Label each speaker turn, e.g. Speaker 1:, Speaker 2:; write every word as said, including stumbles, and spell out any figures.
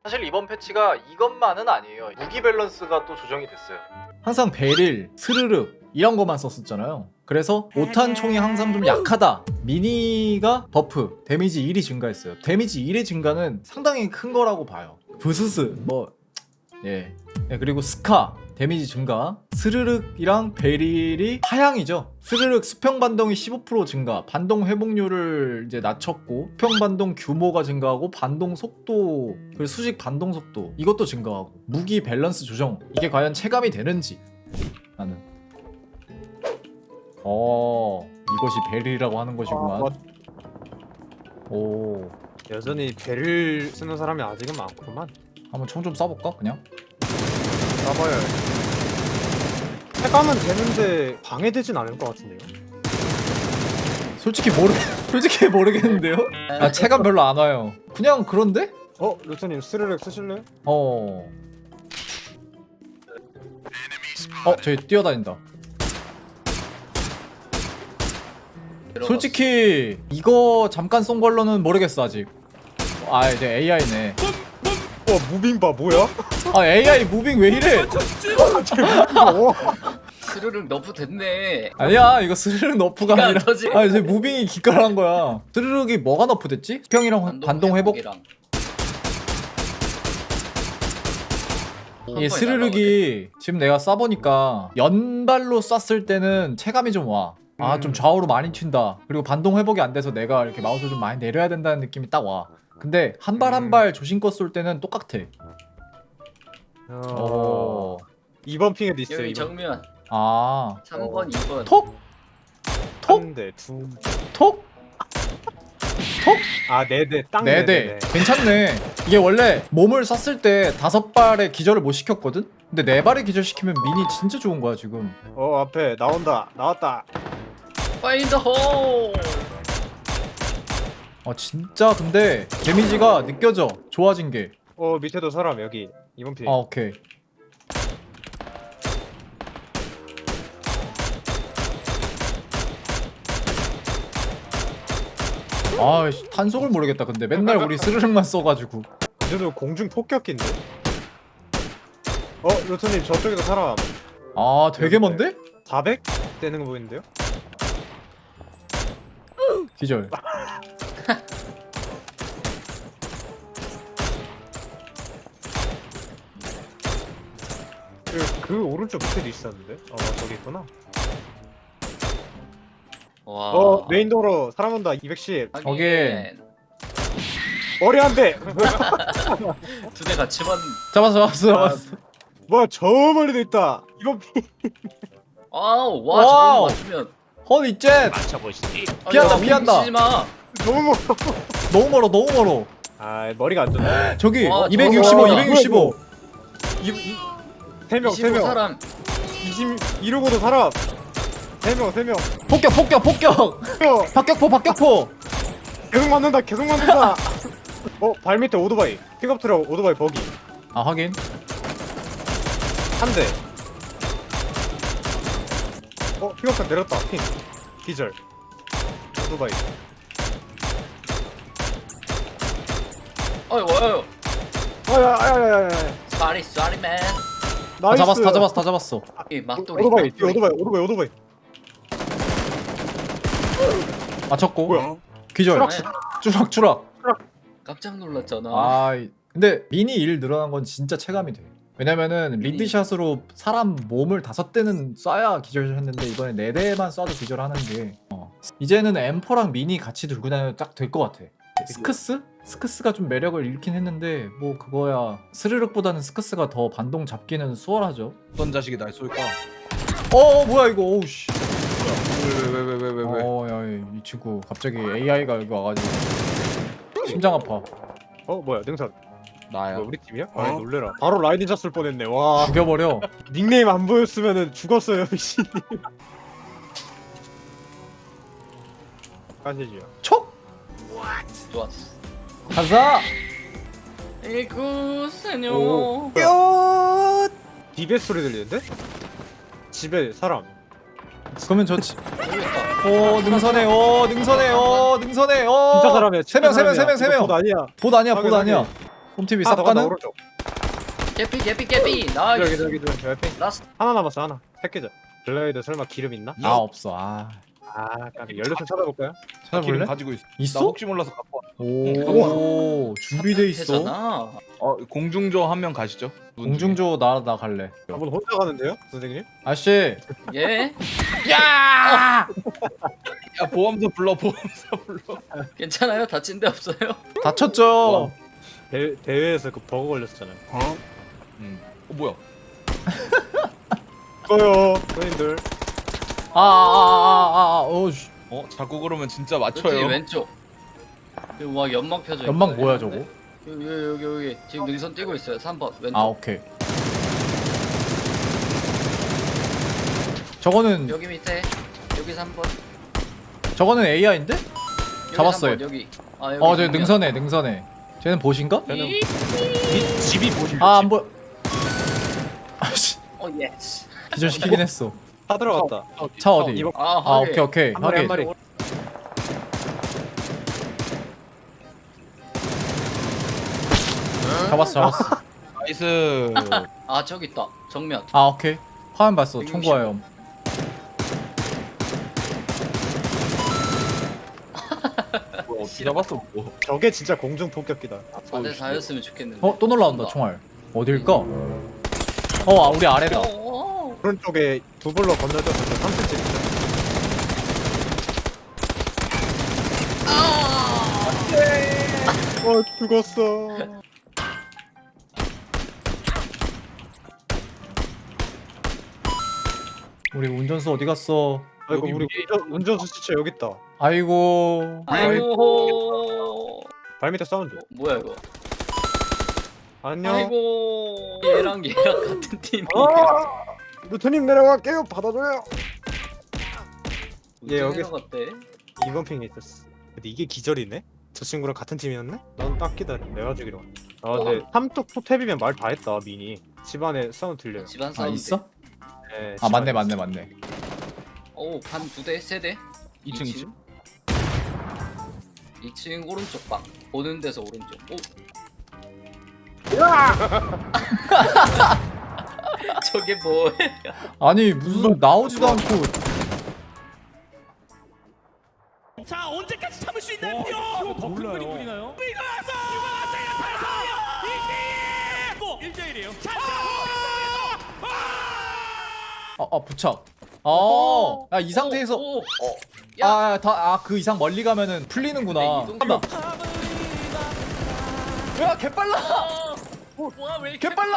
Speaker 1: 사실 이번 패치가 이것만은 아니에요. 무기 밸런스가 또 조정이 됐어요. 항상 베릴, 스르륵 이런 것만 썼었잖아요. 그래서 오 탄 총이 항상 좀 약하다. 미니가 버프, 데미지 일이 증가했어요. 데미지 일의 증가는 상당히 큰 거라고 봐요. 부스스 뭐 예. 예, 그리고 스카 데미지 증가, 스르륵이랑 베릴이 하향이죠. 스르륵 수평 반동이 십오 퍼센트 증가, 반동 회복률을 이제 낮췄고, 수평 반동 규모가 증가하고, 반동 속도, 그리고 수직 반동 속도 이것도 증가하고, 무기 밸런스 조정 이게 과연 체감이 되는지 나는. 어, 이것이 베릴이라고 하는 것이구만.
Speaker 2: 아, 뭐,
Speaker 1: 오,
Speaker 2: 여전히 배를 쓰는 사람이 아직은 많구만.
Speaker 1: 한번 총 좀 쏴볼까 그냥?
Speaker 2: 나봐야 해가면 되는데 방해되진 않을 것 같은데요.
Speaker 1: 솔직히 모르, 솔직히 모르겠는데요? 아, 체감 별로 안 와요. 그냥 그런데?
Speaker 2: 어? 루트님 스르륵 쓰실래요?
Speaker 1: 어. 어, 저기 뛰어다닌다. 솔직히 이거 잠깐 쏜 걸로는 모르겠어 아직. 아, 이제 에이아이네.
Speaker 2: 어 무빙바 뭐야?
Speaker 1: 아, 에이아이 무빙 왜 이래?
Speaker 2: 어?
Speaker 3: 스르륵 너프 됐네.
Speaker 1: 아니야, 이거 스르륵 너프가
Speaker 3: 기가 안
Speaker 1: 아니라.
Speaker 3: 터지.
Speaker 1: 아, 이제 무빙이 기깔한 거야. 스르륵이 뭐가 너프됐지? 수평이랑 반동 회복.
Speaker 3: 회복이랑.
Speaker 1: 이게 스르륵이 지금 내가 쏴보니까 연발로 쐈을 때는 체감이 좀 와. 아,
Speaker 2: 음.
Speaker 1: 좀 좌우로 많이 튄다. 그리고 반동 회복이 안 돼서 내가 이렇게 마우스를 좀 많이 내려야 된다는 느낌이 딱 와. 근데 한 발 한 발 조심껏 쏠 때는 똑같아.
Speaker 2: 어...
Speaker 1: 어.
Speaker 2: 이번 핑에도 있어요.
Speaker 3: 여기
Speaker 2: 이번.
Speaker 3: 정면
Speaker 1: 아.
Speaker 3: 삼 번, 이 번.
Speaker 1: 톡? 톡?
Speaker 2: 한 대, 두 대.
Speaker 1: 톡?
Speaker 2: 아, 네 대. 땅
Speaker 1: 네
Speaker 2: 네
Speaker 1: 대.
Speaker 2: 대.
Speaker 1: 괜찮네. 이게 원래 몸을 쐈을 때 다섯 발의 기절을 못 시켰거든? 근데 네 발의 기절 시키면 미니 진짜 좋은 거야, 지금.
Speaker 2: 어, 앞에 나온다. 나왔다.
Speaker 3: 파인드 홀.
Speaker 1: 아, 진짜 근데 데미지가 느껴져. 좋아진 게.
Speaker 2: 어, 밑에도 사람 여기. 이번 핑.
Speaker 1: 아, 오케이. 아, 씨, 탄속을 모르겠다. 근데 맨날 우리 스르륵만 써가지고.
Speaker 2: 이제도 공중 폭격기인데. 어, 루트님 저쪽에도 사람.
Speaker 1: 아, 되게 먼데?
Speaker 2: 사백 되는 거 보이는데요?
Speaker 1: 기절.
Speaker 2: 그, 그 오른쪽 밑에도 있었는데. 어, 저기 있구나.
Speaker 3: 와.
Speaker 2: 어, 메인 도로 사람 온다. 이백십.
Speaker 3: 하긴.
Speaker 1: 오케이.
Speaker 2: 머리 한 대.
Speaker 3: 두 대 같이 맞.
Speaker 1: 잡았어, 잡았어, 잡았어.
Speaker 2: 뭐야, 저 멀리도 있다. 이번 핑.
Speaker 3: 아우 와
Speaker 1: 와우.
Speaker 3: 저거 맞추면.
Speaker 1: 허니 jet! 피한다,
Speaker 3: 아니,
Speaker 1: 피한다.
Speaker 3: 치지 마.
Speaker 2: 너무 멀어.
Speaker 1: 너무 멀어, 너무 멀어.
Speaker 2: 아, 머리가 안 좋네.
Speaker 1: 저기
Speaker 3: 와,
Speaker 1: 이백육십오,
Speaker 3: 저거
Speaker 1: 이백육십오.
Speaker 2: 이, 이, 세 명, 세
Speaker 3: 이십오
Speaker 2: 명.
Speaker 3: 사람.
Speaker 2: 이십, 이러고도 사람. 세 명, 세 명.
Speaker 1: 폭격, 폭격, 폭격.
Speaker 2: 어,
Speaker 1: 박격포, 박격포.
Speaker 2: 계속 맞는다, 계속 맞는다. 어, 발 밑에 오토바이. 픽업 트럭, 오토바이 버기.
Speaker 1: 아, 확인.
Speaker 2: 한 대. 어, 픽업 트럭 내렸다. 핑. 기절. 오토바이.
Speaker 3: 어이 와요.
Speaker 2: 아야, 아야, 아야, 아야.
Speaker 3: 쏘리 쏘리 맨.
Speaker 1: 다
Speaker 2: 나이스.
Speaker 1: 잡았어, 다 잡았어, 다 잡았어.
Speaker 3: 이 막돌이.
Speaker 2: 오토바이,
Speaker 3: 막돌이.
Speaker 2: 오토바이, 오토바이, 오토바이.
Speaker 1: 맞췄고.
Speaker 2: 뭐야?
Speaker 1: 기절.
Speaker 3: 네.
Speaker 1: 추락, 추락.
Speaker 3: 깜짝 놀랐잖아.
Speaker 1: 아, 근데 미니 일 늘어난 건 진짜 체감이 돼. 왜냐면은
Speaker 3: 미니.
Speaker 1: 리드샷으로 사람 몸을 다섯 대는 쏴야 기절했는데 이번에 네 대만 쏴도 기절하는 게 어. 이제는 엠포랑 미니 같이 들고 다녀도 딱 될 것 같아. 스크스? 스크스가 좀 매력을 잃긴 했는데 뭐 그거야 스르륵보다는 스크스가 더 반동 잡기는 수월하죠.
Speaker 4: 어떤 자식이 날 쏠까?
Speaker 1: 어, 어 뭐야 이거 오우씨.
Speaker 4: 왜 왜 왜 왜 왜 왜?
Speaker 1: 어, 야, 이 친구 갑자기 에이아이가 여기 와가지고 심장 아파.
Speaker 2: 어, 뭐야, 능선.
Speaker 4: 나야.
Speaker 2: 뭐 우리 팀이야?
Speaker 4: 어?
Speaker 2: 아, 놀래라. 바로 라이딩 잤을 뻔했네. 와.
Speaker 1: 죽여버려.
Speaker 2: 닉네임 안 보였으면은 죽었어요, 미친. 까시지요.
Speaker 1: 촉!
Speaker 3: 좋았어.
Speaker 1: 가자!
Speaker 3: 에이구 세뇨.
Speaker 2: 오.
Speaker 1: 뿅!
Speaker 2: 디베 소리 들리는데? 집에 사람.
Speaker 1: 그러면 저지.
Speaker 3: 모르겠다.
Speaker 1: 오, 능선해, 오, 능선해, 오, 능선해, 오.
Speaker 2: 진짜 사람이야.
Speaker 1: 세 명, 세 명, 세 명, 세 명.
Speaker 2: 이거 봇 아니야.
Speaker 1: 봇 아니야, 봇
Speaker 2: 확인,
Speaker 1: 아니야. 홈티비
Speaker 2: 하나 더 간다
Speaker 1: 쌉가는?
Speaker 2: 오른쪽.
Speaker 3: 개피 개피 개피
Speaker 2: 저기
Speaker 3: 나이스.
Speaker 2: 저기 저기 옆에
Speaker 3: 라스트.
Speaker 2: 하나 남았어 하나. 새끼자. 블레이드 설마 기름 있나?
Speaker 1: 아 없어. 아
Speaker 2: 아 까비. 연료 좀 찾아볼까요?
Speaker 4: 나 기름
Speaker 1: 찾아볼래?
Speaker 4: 가지고 있어. 나
Speaker 1: 있어?
Speaker 4: 혹시 몰라서 갖고 와.
Speaker 1: 오 준비돼 있어.
Speaker 3: 되잖아.
Speaker 4: 어 공중조 한 명 가시죠.
Speaker 1: 공중조 나 나 갈래.
Speaker 2: 저분 혼자 가는데요, 선생님?
Speaker 1: 아씨.
Speaker 3: 예?
Speaker 1: 야!
Speaker 4: 야 보험사 불러 보험사 불러.
Speaker 3: 괜찮아요? 다친 데 없어요?
Speaker 1: 다쳤죠.
Speaker 2: 대 대회에서 그 버그 걸렸었잖아요.
Speaker 4: 어? 응. 어 뭐야?
Speaker 2: 이거요, 선생님들.
Speaker 1: 아아아아아 어. 씨.
Speaker 4: 어 자꾸 그러면 진짜
Speaker 3: 그치
Speaker 4: 맞춰요.
Speaker 3: 왼쪽. 여기 막 연막 펴져 있고.
Speaker 1: 연막 뭐야 저거?
Speaker 3: 여기 여기 여기 여기 지금 능선 뛰고 있어요. 삼 번 왼쪽.
Speaker 1: 아 오케이. 저거는
Speaker 3: 여기 밑에 여기 삼 번.
Speaker 1: 저거는 에이아이인데?
Speaker 3: 여기
Speaker 1: 잡았어요.
Speaker 3: 삼 번, 여기. 아 여기.
Speaker 1: 어, 저
Speaker 3: 정면.
Speaker 1: 능선에 능선에. 쟤는 보신가?
Speaker 2: 쟤는 이 집이 보실.
Speaker 1: 아, 안 보여. 아씨,
Speaker 3: 어 예스.
Speaker 1: 기절시키긴 했어.
Speaker 2: 다 들어갔다.
Speaker 1: 차 어디?
Speaker 2: 이번
Speaker 3: 아,
Speaker 1: 아,
Speaker 3: 확인.
Speaker 1: 오케이, 오케이.
Speaker 2: 한 마리 한
Speaker 1: 확인.
Speaker 2: 마리.
Speaker 1: 잡았어, 잡았어.
Speaker 4: 나이스.
Speaker 3: 아 저기 있다. 정면.
Speaker 1: 아, 오케이. 화면 봤어. 총구하염.
Speaker 4: 뭐야 어떻게 잡았어 뭐.
Speaker 2: 저게 진짜 공중 폭격기다.
Speaker 3: 사 대 사였으면 좋겠는데.
Speaker 1: 어, 또 놀라온다. 총알. 어딜까? 어, 아, 우리 아래다.
Speaker 3: 어,
Speaker 2: 오른쪽에 두 볼로 건너져서 삼 센티미터 있어. 어 죽었어.
Speaker 1: 우리 운전수 어디 갔어?
Speaker 2: 아이고
Speaker 4: 여기
Speaker 2: 우리
Speaker 4: 위에
Speaker 2: 운전, 운전수 진짜 여기 있다.
Speaker 1: 아이고.
Speaker 3: 아이고.
Speaker 2: 발 밑에 사운드.
Speaker 3: 어, 뭐야 이거?
Speaker 2: 안녕.
Speaker 3: 아이고. 얘랑 얘랑 같은 팀이.
Speaker 2: 아! 루트님 내려갈게요. 받아줘요. 얘 여기-
Speaker 3: 갔대.
Speaker 2: 이번 핑에 있었어. 근데 이게 기절이네? 저 친구랑 같은 팀이었네? 난 딱 기다려. 내가 죽이러. 아 근데 삼뚝 포탭이면 말 다 했다 미니. 집안에 사운드 들려요.
Speaker 3: 집안
Speaker 1: 아,
Speaker 3: 사운드.
Speaker 1: 있어?
Speaker 2: 네,
Speaker 1: 아, 맞네,
Speaker 2: 집안에
Speaker 1: 맞네,
Speaker 2: 있어.
Speaker 1: 맞네.
Speaker 3: 오, 반 두 대, 세 대.
Speaker 4: 이 층 이 층.
Speaker 3: 이 층 오른쪽 방. 보는 데서 오른쪽. 오. 저게 뭐야?
Speaker 1: 아니, 무슨 나오지도 않고.
Speaker 5: 자 언제까지 참을 수 있나요? 더 큰 그림 그리나요? 이거 와서 이거 일 대 일이에요.
Speaker 1: 아, 아, 부착. 아, 야, 이 상태에서.
Speaker 3: 오, 오. 야.
Speaker 1: 아, 다, 아, 그 이상 멀리 가면은 풀리는구나.
Speaker 3: 네, 이동-
Speaker 1: 간다. 야, 개빨라!
Speaker 3: 와, 왜 이렇게
Speaker 1: 개빨라!